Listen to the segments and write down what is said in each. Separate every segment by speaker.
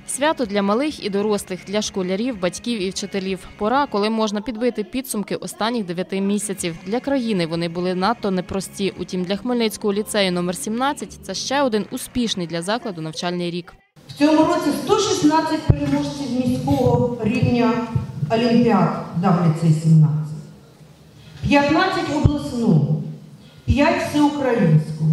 Speaker 1: Свято для малих і дорослих, для школярів, батьків і вчителів. Пора, коли можна підбити підсумки останніх 9 місяців. Для країни вони були надто непрості. Утім, для Хмельницького ліцею номер 17 – це ще один успішний для закладу навчальний рік.
Speaker 2: В цьому році 116 переможців міського рівня олімпіад дав ліцей 17. 15 обласного, 5 всеукраїнського,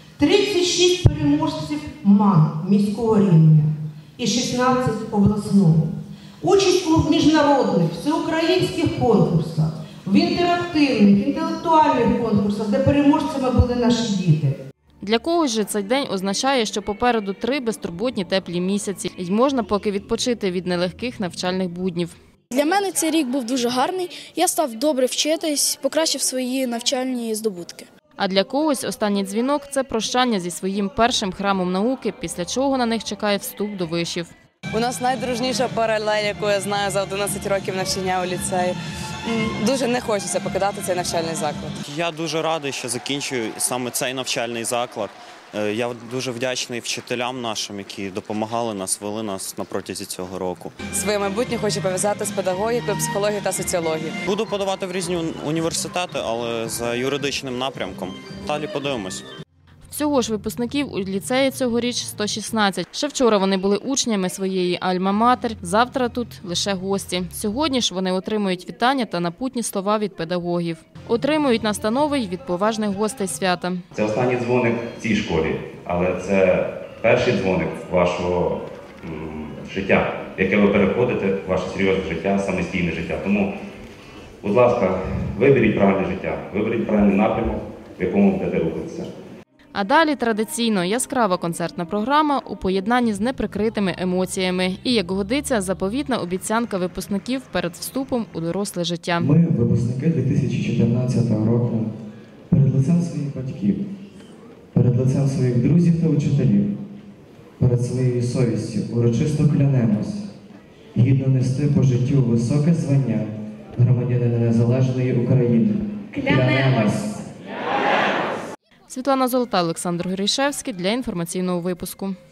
Speaker 2: 36 переможців МАН міського рівня і 16 обласного. Участь у міжнародних, всеукраїнських конкурсах, в інтерактивних, інтелектуальних конкурсах, де переможцями були наші діти.
Speaker 1: Для когось же цей день означає, що попереду 3 безтурботні теплі місяці. І можна поки відпочити від нелегких навчальних буднів.
Speaker 3: Для мене цей рік був дуже гарний. Я став добре вчитись, покращив свої навчальні здобутки.
Speaker 1: А для когось останній дзвінок – це прощання зі своїм першим храмом науки, після чого на них чекає вступ до вишів.
Speaker 4: У нас найдружніша паралель, яку я знаю за 11 років навчання у ліцеї. Дуже не хочеться покидати цей навчальний заклад.
Speaker 5: Я дуже радий, що закінчую саме цей навчальний заклад. Я дуже вдячний вчителям нашим, які допомагали нас, вели нас на протязі цього року.
Speaker 4: Своє майбутнє хочу пов'язати з педагогікою, психологією та соціологією.
Speaker 5: Буду подавати в різні університети, але за юридичним напрямком. Далі подивимось.
Speaker 1: Всього ж випускників у ліцеї цьогоріч 116. Ще вчора вони були учнями своєї альма-матер, завтра тут лише гості. Сьогодні ж вони отримують вітання та напутні слова від педагогів. Отримують настанови й від поважних гостей свята.
Speaker 6: Це останній дзвоник в цій школі, але це перший дзвоник вашого життя, в яке ви переходите в ваше серйозне життя, самостійне життя. Тому, будь ласка, виберіть правильне життя, виберіть правильний напрямок, в якому будете рухатися.
Speaker 1: А далі традиційно яскрава концертна програма у поєднанні з неприкритими емоціями. І, як годиться, заповітна обіцянка випускників перед вступом у доросле життя.
Speaker 7: Ми, випускники 2014 року, перед лицем своїх батьків, перед лицем своїх друзів та учителів, перед своєю совістю урочисто клянемось гідно нести по життю високе звання громадянина незалежної України. Клянемось!
Speaker 1: Світлана Золота, Олександр Горішевський для інформаційного випуску.